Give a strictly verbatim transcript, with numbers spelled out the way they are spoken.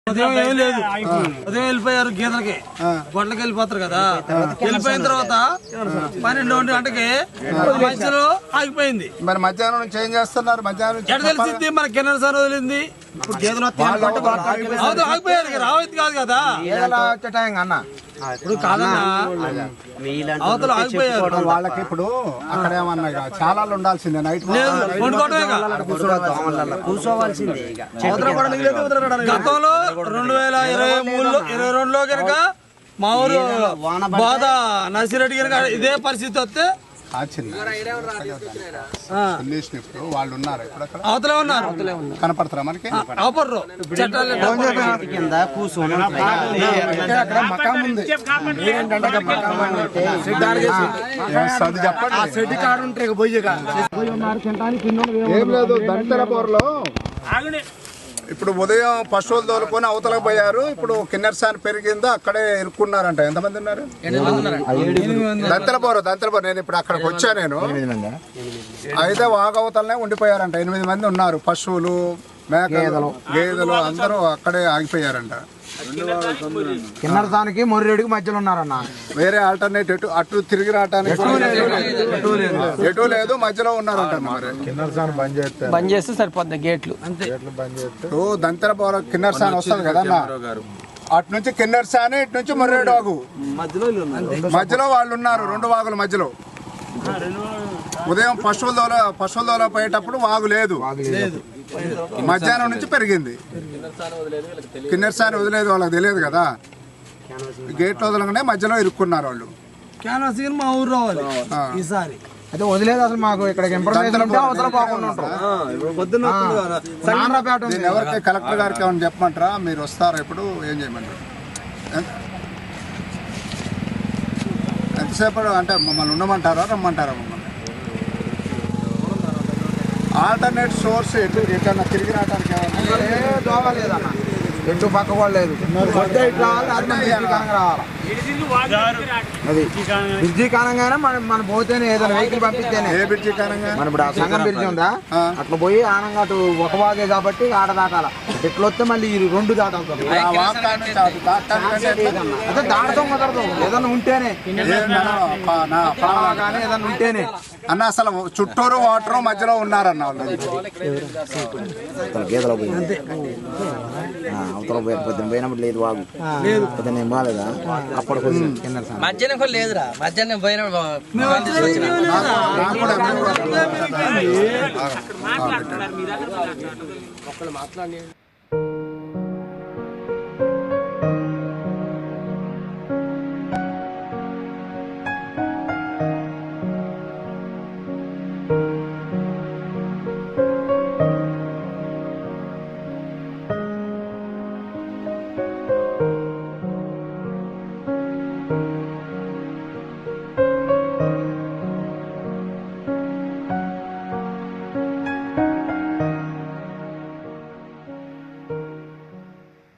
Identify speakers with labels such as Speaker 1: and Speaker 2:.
Speaker 1: ఉదయం ఏం లేదు, ఉదయం వెళ్ళిపోయారు గీతలకి, గొడ్లకి వెళ్ళిపోతారు కదా. వెళ్ళిపోయిన తర్వాత పన్నెండు ఒంటి గంటకి మధ్యలో ఆగిపోయింది.
Speaker 2: మరి మధ్యాహ్నం నుంచి ఏం చేస్తున్నారు? మధ్యాహ్నం
Speaker 1: ఎక్కడ తెలిసింది? మన కిన్నెర సార్ వదిలింది. ఆగిపోయారు, రావద్దు కాదు కదా. ఇప్పుడు కాదన్నా, అవతల ఆగిపోయారు.
Speaker 2: వాళ్ళకి ఇప్పుడు అక్కడ ఏమన్నా చాలా ఉండాల్సిందే. నైట్
Speaker 1: గతంలో రెండు వేల ఇరవై మూడులో ఇరవై రెండులో కనుక మా ఊరు బాధ నర్సిరెడ్డి కనుక ఇదే పరిస్థితి వస్తే
Speaker 2: వాళ్ళు ఉన్నారు,
Speaker 1: అవతలే ఉన్నారు,
Speaker 2: కనపడతారా మనకి?
Speaker 1: అవపడరు. చట్టాలు
Speaker 2: ఏం లేదు. దంతెరపూర్లో ఇప్పుడు ఉదయం పశువులు తోలుకొని అవతలకు పోయారు. ఇప్పుడు కిన్నెరసాని పెరిగిందో అక్కడే ఇరుక్కున్నారంట. ఎంతమంది ఉన్నారు? దంతెరపూర్ దంతెరపూర్ నేను ఇప్పుడు అక్కడికి వచ్చా. నేను అయితే వాగవతలనే ఉండిపోయారంట. ఎనిమిది మంది ఉన్నారు. పశువులు, మేకలు, గేదెలు అందరూ అక్కడే ఆగిపోయారంట.
Speaker 3: కిన్నెరసానికి మొర్రెడికి మధ్యలో ఉన్నారన్న.
Speaker 2: వేరే ఆల్టర్నేట్ ఎటు అటు తిరిగి రావడానికి ఎటు లేదు, మధ్యలో ఉన్నారంట. మరి
Speaker 3: కిన్నెరసాని బంద్ చేస్తే
Speaker 4: బంద్ చేస్తే సరిపోద్ది గేట్లు.
Speaker 2: దంతెరపూర్ కిన్నెరసాని వస్తుంది కదా అన్న, అటు నుంచి కిన్నెరసాని, ఇటు నుంచి మొర్రేడు వాగు మధ్యలో వాళ్ళు ఉన్నారు. రెండు వాగుల మధ్యలో ఉదయం పశువుల దోల పశువుల దోల పోయేటప్పుడు వాగు లేదు, మధ్యాహ్నం నుంచి పెరిగింది. కిన్నెరసాని వదిలేదు, వాళ్ళకి తెలియదు కదా. గేట్లు వదలగానే మధ్యలో ఇరుక్కున్నారు వాళ్ళు.
Speaker 1: మా ఊరు రావాలి ఈసారి.
Speaker 3: అయితే వదిలేదు అసలు మాకు ఇక్కడ ఇన్ఫర్మేషన్ ఉంటే అవతల బాగుంటాం.
Speaker 2: ఎవరికి కలెక్టర్ గారికి ఏమైనా చెప్పమంటారా? మీరు వస్తారా? ఇప్పుడు ఏం చేయమంటారు? ఎంతసేపు అంటే మమ్మల్ని ఉండమంటారా, రమ్మంటారా? మమ్మల్ని ఆల్టర్నేట్ సోర్స్ ఎటు ఎక్కడన్నా తిరిగి రావడానికి
Speaker 3: లేదన్న, ఎటు పక్క కూడా లేదు. అది బ్రిడ్జి కానంగానే మనం మనం పోతేనే ఏదైనా వెహికల్ పంపిస్తేనే.
Speaker 2: ఏ బ్రిడ్జి కానంగా?
Speaker 3: మన ఇప్పుడు ఆ సంగం బ్రిడ్జి ఉందా, అట్లా పోయి ఆనంగా అటు ఒక వాగే కాబట్టి ఆడ దాటాల. ఎట్లా వస్తే మళ్ళీ ఈ రెండు దాటాలి. అదే దాటడం కుదరదు, ఏదన్నా ఉంటేనే కానీ ఏదన్నా ఉంటేనే
Speaker 2: అన్న. అసలు చుట్టూరు వాటర్ మధ్యలో ఉన్నారన్న వాళ్ళు.
Speaker 3: గేదెలో పోయి అవతల పోయి పొద్దున పోయినప్పుడు లేదు వాగు, పొద్దున ఏం బాగాలేదా అప్పుడు
Speaker 4: మధ్యాహ్నం లేదురా. మధ్యాహ్నం పోయిన
Speaker 2: మాట్లాడి